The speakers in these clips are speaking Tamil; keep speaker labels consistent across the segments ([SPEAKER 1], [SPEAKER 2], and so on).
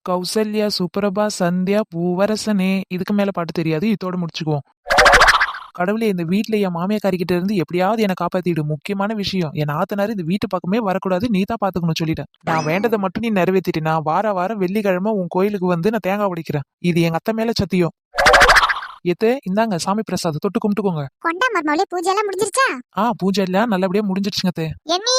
[SPEAKER 1] கௌசல்யா சுப்ரபா சந்தியா பூவரசனே. இதுக்கு மேல பாட்டு தெரியாது, இதோட முடிச்சுக்குவோம். கடவுளே, இந்த வீட்ல என் மாமியாக்காரிக்கிட்ட இருந்து எப்படியாவது என்னை காப்பாத்திடு. முக்கியமான விஷயம், என் ஆத்தனாரு இந்த வீட்டு பக்கமே வரக்கூடாது, நீ தான் பாத்துக்கணும் சொல்லிட்டேன். நான் வேண்டதை மட்டும் நீ நிறைவேற்றிட்டு, நான் வாரம் வெள்ளிக்கிழமை உன் கோயிலுக்கு வந்து நான் தேங்காய் உடைக்கிறேன். இது எங்க அத்தை மேல சத்தியம். ஏத்தே, இந்தாங்க சாமி பிரசாதம், தொட்டு கும்பிட்டுக்கோங்க.
[SPEAKER 2] கொண்டா மர்மவளே, பூஜை எல்லாம் முடிஞ்சிருச்சா?
[SPEAKER 1] பூஜை எல்லாம் நல்லபடியா முடிஞ்சிருச்சுங்க அத்தை.
[SPEAKER 2] எம்மி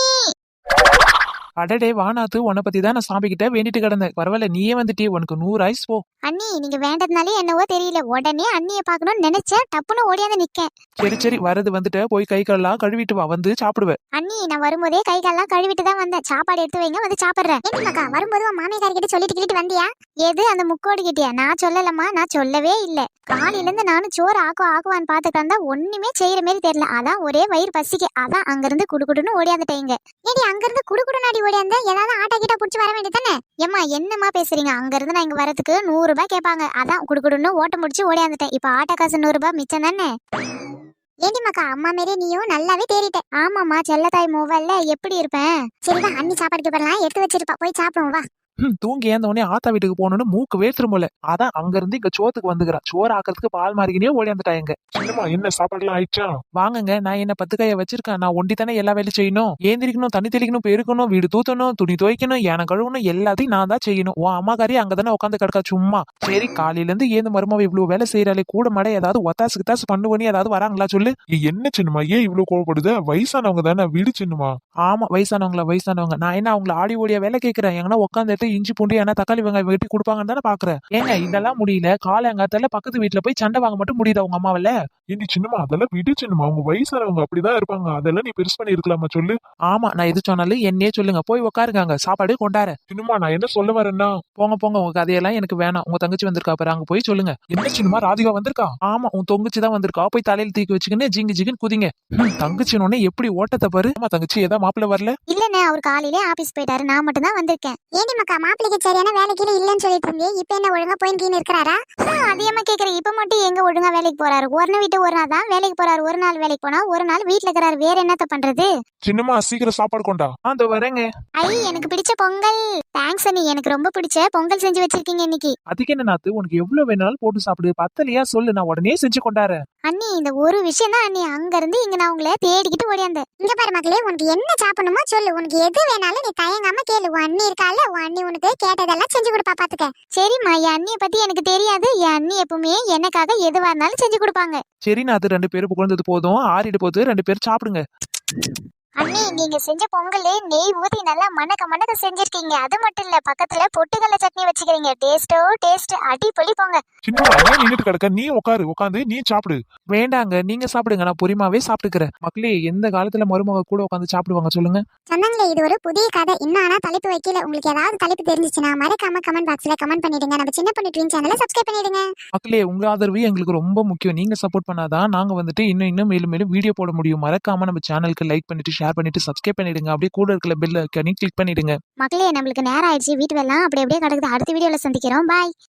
[SPEAKER 1] அடடே வானாத்து, உன்னை பத்தி தான் நான் சாமி கிட்ட வேண்டிட்டு கிடந்தேன். பரவாயில்ல, நீயே வந்துட்டே, உனக்கு 100 ஆயுஸ் போ.
[SPEAKER 2] அண்ணி, நீங்க வேண்டதுனாலே என்னவோ தெரியல, உடனே அண்ணிய பாக்கணும்னு நினைச்சேன், டப்புன்னு ஓடியாந்து நிக்க.
[SPEAKER 1] சரி வரது வந்துட்டு போய் கை கால்லாம் கழுவிட்டு வா, வந்து சாப்பிடுவேன்.
[SPEAKER 2] அண்ணி, நான் வரும்போதே கை கால்லாம் கழுவிட்டு தான் வந்தேன். சாப்பாடு எடுத்து வைங்க, வந்து சாப்பிடுறேன். ஏன்டிமாக்கா, வரும்போது உன் மாமியார் கிட்ட சொல்லிட்டு வந்தியா? எது, அந்த முக்கோடு கிட்டியா? நான் சொல்லலம்மா, நான் சொல்லவே இல்ல. காலையில இருந்து நானும் சோறு ஆக்குவான்னு பாத்துக்கிட்டா ஒண்ணுமே செய்யற மாதிரி தெரியல. அதான் ஒரே வயிறு பசிக்கு, அதான் அங்கிருந்து குடுக்குடுன்னு ஓடியாந்துட்டேங்க. ஏடி, அங்கிருந்து குடுக்குடுனாடி ஓடியாந்த? ஏதாவது ஆட்டா கிட்ட புடிச்சு வர வேண்டியதானே? ஏம்மா, என்னம்மா பேசுறீங்க? அங்க இருந்து நான் இங்க வரதுக்கு 100 ரூபாய் கேட்பாங்க, அதான் குடுக்குடுன்னு ஓட்ட முடிச்சு ஓடியாந்துட்டேன். இப்ப ஆட்டோ காசு 100 ரூபாய் மிச்சம் தானே. ஏண்டிமாக்கா, அம்மா மாரி நீயும் நல்லாவே தேறிட்ட. ஆமாம்மா, செல்லத்தாய் மூவல்ல எப்படி இருப்பேன். சரிதான், அண்ணி சாப்பாடுக்கு வரலாம் எடுத்து வச்சிருப்பா, போய் சாப்பிடுவோம் வா.
[SPEAKER 1] தூங்கி ஏந்த உடனே ஆத்தா வீட்டுக்கு போகணும்னு மூக்கு வேத்துரும் போல. அதான் அங்க இருந்து இங்க சோத்துக்கு வந்துக்கிறான். சோறு ஆக்கிறதுக்கு பால் மாறிக்கினே ஓடியாந்துட்டாங்க.
[SPEAKER 3] என்ன சாப்பாடுலாம் ஆயிடுச்சா?
[SPEAKER 1] வாங்குங்க, நான் என்ன 10 கையை வச்சிருக்கேன். நான் ஒண்டி தானே எல்லா வேலையும் செய்யணும். ஏந்திரிக்கணும், தண்ணி தெளிக்கணும், பெருக்கணும், வீடு தூத்தணும், துணி துவைக்கணும், ஏன கழுவணும், எல்லாத்தையும் நான் தான் செய்யணும். உன் அம்மாக்காரி அங்கதானே உட்காந்து கிடக்கா சும்மா. சரி, காலையில இருந்து ஏந்து மருமாவை இவ்வளவு வேலை செய்யறாளே, கூட மாட ஏதாவது ஒத்தாசு கித்தாசு பண்ணுவனி ஏதாவது வராங்களா சொல்லு.
[SPEAKER 3] என்ன சின்னமா, ஏன் இவ்வளவு கோவப்படுது? வயசானவங்க தானே, வீடு சின்னமா.
[SPEAKER 1] ஆமா, வயசானவங்க. நான் என்ன அவங்கள ஆடி ஓடியா வேலை கேட்கறேன்? எங்கன்னா உட்காந்துட்டு இஞ்சி பூண்டி ஏன்னா தக்காளி வெங்காயம் வெட்டி கொடுப்பாங்கன்னு தானே பாக்குறேன். ஏங்க, இதெல்லாம் முடியல, காலங்காத்தால பக்கத்து வீட்டுல போய் சண்டை வாங்க மட்டும் முடியுதா உங்க அம்மாவில?
[SPEAKER 3] ஏண்டி சின்னமா, அதெல்லாம் விடு சின்னமா, அவங்க வயசானவங்க அப்படிதான் இருப்பாங்க. அதெல்லாம் நீ பெருசு பண்ணி இருக்கலாமா சொல்லு.
[SPEAKER 1] ஆமா, நான் எது சொன்னாலும் என்னையே சொல்லுங்க. போய் உட்காருங்க, சாப்பாடு கொண்டாரு.
[SPEAKER 3] சின்னமா, நான் என்ன சொல்ல வரேன்னா,
[SPEAKER 1] போங்க உங்க கதையெல்லாம் எனக்கு வேணாம். உங்க தங்கச்சி வந்திருக்கா பாரு, அங்க போய் சொல்லுங்க.
[SPEAKER 3] என்ன சின்னமா, ராதிகா வந்திருக்கா?
[SPEAKER 1] ஆமா, உன் தொங்கச்சி தான் வந்திருக்கா. போய் தலையில தூக்கி வச்சுக்கின்னு ஜிங்கு ஜிங்குன்னு குதிங்க. தங்கச்சினோடனே எப்படி ஓட்டத்தை பாரு. ஆமா, தங்கச்சி ஏதா மாப்பிள்ள வரல?
[SPEAKER 2] இல்லண்ணே, அவர் காலையிலே ஆபீஸ் போயிட்டாரு, நான் மட்டும் தான் வந்திருக்கேன். ஏண்டி மக்கா, மாப்பிள்ளைக்கு சரியான வேலைக்கு இல்லன்னு சொல்லிட்டு இருந்தேன், இப்ப என்ன ஒழுங்கா போயின்னு இருக்கிறாரா? அதிகமா கேக்குறேன், இப்ப மட்டும் எங்க ஒழுங்கா வேலைக்கு போறாரு? ஒரு விட்டு ஒரு நாள் தான் வேலைக்கு போறாரு. ஒரு நாள் வேலைக்கு போனா ஒரு நாள் வீட்டுல இருக்கிறாரு. வேற என்னத்த பண்றது?
[SPEAKER 3] சின்னமா, சீக்கிரம் சாப்பாடு கொண்டா.
[SPEAKER 1] அந்த வரேங்க.
[SPEAKER 2] எனக்கு பிடிச்ச பொங்கல். தேங்க்ஸ் அண்ணி, எனக்கு ரொம்ப பிடிச்ச பொங்கல் செஞ்சு வச்சிருக்கீங்க இன்னைக்கு.
[SPEAKER 1] அதுக்கு என்ன நாத்து, உனக்கு எவ்வளவு வேணாலும் போட்டு சாப்பிடு. பத்தலையா சொல்லு, நான் உடனே செஞ்சு கொண்டாரு.
[SPEAKER 2] அண்ணி, இந்த ஒரு விஷயம் தான் அண்ணி, அங்க இருந்து இங்க நான் உங்களை தேடிக்கிட்டு ஓடியாந்தேன். இங்க பாரு மக்களே, உனக்கு என்ன சாப்பிடணுமோ சொல்லு, உனக்கு எது வேணாலும் நீ தயங்காம கேளு. உன் அண்ணி இருக்கால, உன் அண்ணி உனக்கு கேட்டதெல்லாம் செஞ்சு கொடுப்பா, பாத்துக்க. சரிம்மா, என் அண்ணிய பத்தி எனக்கு தெரியாது. என் அண்ணி எப்பவுமே எனக்காக எதுவா இருந்தாலும் செஞ்சு கொடுப்பாங்க.
[SPEAKER 1] சரி நாத்து, 2 பேரும் புகழ்ந்தது போதும், ஆறிடு போது 2 பேரும் சாப்பிடுங்க.
[SPEAKER 2] அண்ணி, நீங்க செஞ்ச பொங்கலே நெய் ஊத்தி நல்லா மணக்க செஞ்சிருக்கீங்க. அது மட்டும் இல்ல, பக்கத்துல பொட்டுக்கல்ல சட்னி வச்சுக்கிறீங்க. டேஸ்ட் அடிப்பொலி போங்க.
[SPEAKER 3] சின்னமா, ஏன் நின்னுட்டு கிடக்க? நீ உட்காந்து நீ சாப்பிடு.
[SPEAKER 1] வேண்டாங்க, நீங்க சாப்பிடுங்க, நான் பொறிமாவே சாப்பிட்டுக்கிறேன். மக்களே, எந்த காலத்துல மருமக கூட உட்காந்து சாப்பிடுவாங்க சொல்லுங்க.
[SPEAKER 2] சொன்னாங்களே, இது ஒரு புதிய கதை. இன்னும் ஆனா தலைப்பு வைக்கல. உங்களுக்கு ஏதாவது தலைப்பு தெரிஞ்சிச்சுன்னா மறக்காம கமெண்ட் பாக்ஸ்ல கமெண்ட் பண்ணிடுங்க. நம்ம சின்ன பொண்ணு ட்ரீம் சேனலை சப்ஸ்கிரைப் பண்ணிடுங்க.
[SPEAKER 1] மக்களே, உங்க ஆதரவு எங்களுக்கு ரொம்ப முக்கியம். நீங்க சப்போர்ட் பண்ணாதான் நாங்க வந்துட்டு இன்னும் மேலும் வீடியோ போட முடியும். மறக்காம நம்ம சேனலுக்கு லைக் பண்ணிட்டு ஷேர் பண்ணிட்டு சப்ஸ்கிரைப் பண்ணிடுங்க. அப்படியே கூட இருக்கிற பெல் ஐகானை கிளிக் பண்ணிடுங்க.
[SPEAKER 2] மக்களே, நம்மளுக்கு நேரம் ஆயிடுச்சு, வீட்டு வேலை அப்படியே கிடக்குது. அடுத்த வீடியோல சந்திக்கிறோம். பாய்.